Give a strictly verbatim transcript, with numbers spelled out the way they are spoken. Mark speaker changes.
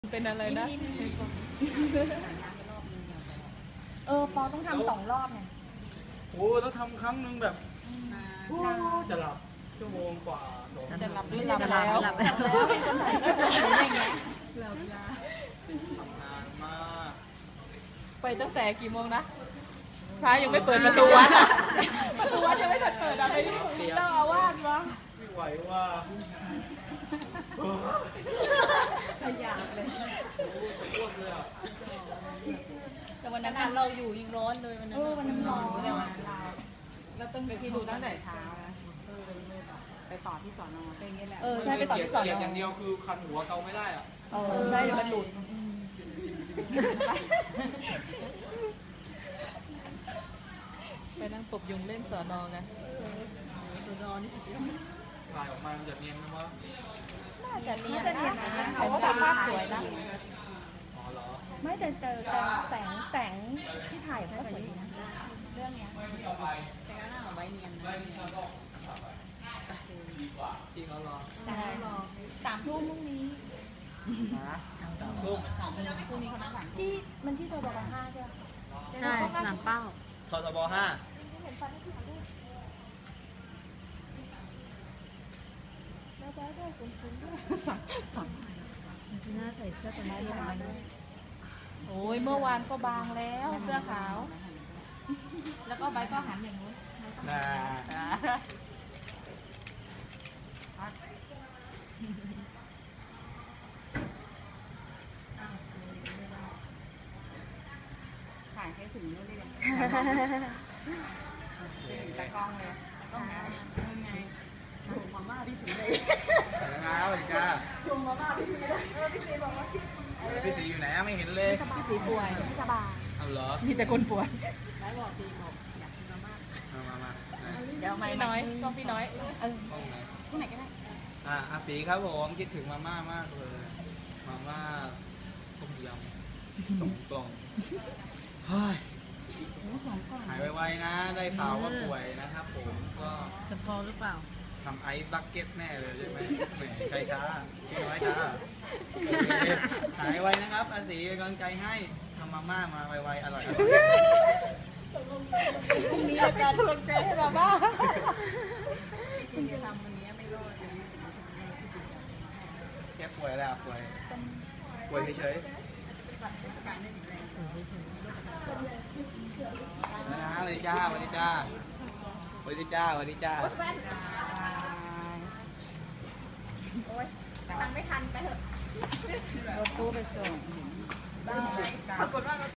Speaker 1: เป็นอะไรนะ
Speaker 2: เออปอต้องทำสองรอบไง
Speaker 3: โอ้ต้องทำครั้งหนึ่งแบบจะหลับชั่วโมงกว่า
Speaker 1: จะหลับหรือหลับแล้ว
Speaker 2: หลับแล้วเป็นคนไทยอย่างเงี้ย
Speaker 3: หลับยาทำงานมาก
Speaker 1: ไปตั้งแต่กี่โมงนะพระยังไม่เปิดประตูวัดประตูวัดยังไม่เปิดอะไรเจ้าอาวาสวะ
Speaker 3: ไม่ไหวว่า
Speaker 2: ขยันเลย
Speaker 3: จะอ้วกเลยอ่ะ
Speaker 1: แต่วันนั้นเราอยู่ยังร้อนเลยวันนั้น
Speaker 2: วันนั้นร้อน
Speaker 1: เลยวันนั้นเราเราต้องไปดูตั้งแต่เช้านะไปต่อที่สอนอเป็นอย่างนี้แหละ
Speaker 2: เออใช่ไปต่อที่สอนอ
Speaker 3: อย่างเดียวคือคันหัวเกาไม่ได้อ่ะ
Speaker 2: เออใช่เดี๋ยวมันหลุด
Speaker 1: ไปนั่งตบยุงเล่นสอนอไงสอนอนี่
Speaker 3: ถ่ายออกมามันจะเนียนไหมวะ
Speaker 1: น่าจะเนียนนะแต่ว่าภาพสวยนะ
Speaker 3: อ๋อเหรอ
Speaker 2: ไม่แต่เจอแสงแสงที่ถ่ายก็สวยนะเรื่องเนี้ย
Speaker 1: แต่ก็น่าเอาไว้เนียน
Speaker 3: จริงเหรอรอ
Speaker 2: สามทุ่มพรุ่งนี้
Speaker 3: สามทุ่ม
Speaker 1: พรุ่งนี้เขานัดสาม
Speaker 2: ที่มันที่ตัวบอกห้าใช่ไหม
Speaker 4: ใช่สนามเป้า
Speaker 3: ททบห้า
Speaker 1: สั่งสั่ง
Speaker 4: หน้าใส่เสื้อตัวนี้มาด้วย
Speaker 1: โอ้ยเมื่อวานก็บางแล้วเสื้อขาวแล้วก็ใบก็หันอย่างนู้น
Speaker 3: นะ
Speaker 1: ถ่ายให้ถึงนู้นเลยตากล้องเลยต้องไงไงถุงมาม่าพี่สีเลย
Speaker 3: แล้วสวัสดีจ้า
Speaker 1: ถุงมาม่าพี่สีเลยเออพี่สีบอกว่า
Speaker 3: พี่สีอยู่ไหนไม่เห็นเลย
Speaker 1: พี่สีป่วย
Speaker 2: ไม่สบาย
Speaker 3: เอาเหรอ
Speaker 1: มีแต่คนป่วยแล้วบอกพี่บอกอยากกินมาม่า
Speaker 3: มามา
Speaker 1: เดี๋ยวไม่น้อยก็พี่น้อยเออที่ไหนก็ได้
Speaker 3: อ่ะอาสีครับผมคิดถึงมาม่ามากเลยมาม่าต้มยำสองกล่องเฮ้ยหายไวๆนะได้ข่าวว่าป่วยนะครับผมก็
Speaker 4: จะพอหรือเปล่า
Speaker 3: ทำไอซ์บักเก็ตแน่เลยใช่ไหมแหมใครช้าพี่น้อยช้าหายไวนะครับอาศีเป็นกำลังใจให้ทำมาม่ามาไวๆอร่อย
Speaker 1: พรุ่งนี้อาการกำลังใจให้มาม่าจริงๆจะทำวันนี้ไม่รอดเลย
Speaker 3: แค่ป่วยแล้วป่วยป่วยเฉยๆนะสวัสดีจ้าสวัสดีจ้าสวัสดีจ้าสวัสดีจ้า
Speaker 2: โอ๊ยตังไม่ทันไปเถอะ
Speaker 1: รถตู้ไปส่งปรากฏว่า